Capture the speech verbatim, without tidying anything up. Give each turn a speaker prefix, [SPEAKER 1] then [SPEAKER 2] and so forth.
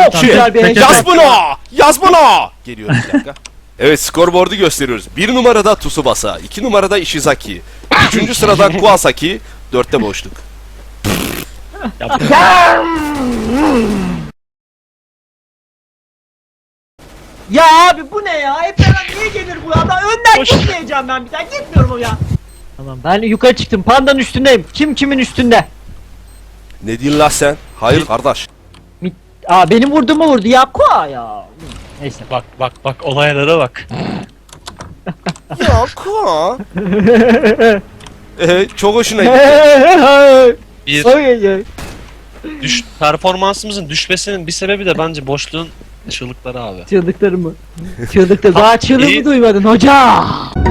[SPEAKER 1] Çok güzel bir heyecan.
[SPEAKER 2] Yaz bunu! Yaz bunu! Geliyorum bir dakika. Evet, skorboardu gösteriyoruz. Bir numarada Tsubasa, iki numarada Ishizaki, üçüncü sırada Kuwasaki, dörtte boşluk.
[SPEAKER 1] Ya abi bu ne ya? Hep beraber niye gelir bu adam? Önden gitmeyeceğim ben bir daha. Gitmiyorum o ya. Tamam ben yukarı çıktım. Pandanın üstündeyim. Kim kimin üstünde?
[SPEAKER 2] Ne diyorsun la sen? Hayır kardeş.
[SPEAKER 1] Mi- Aa benim vurduğumu vurdu ya. Koa ya. Neyse.
[SPEAKER 3] Bak bak bak olaylara bak.
[SPEAKER 2] Ya Kuwa. Ee, çok hoşuna gitti.
[SPEAKER 3] Bir
[SPEAKER 1] Oy,
[SPEAKER 3] düş performansımızın düşmesinin bir sebebi de bence boşluğun çığlıkları abi.
[SPEAKER 1] Çığlıkları mı? Çığlıkları. Daha çığlığı
[SPEAKER 3] iyi.
[SPEAKER 1] mı duymadın hoca?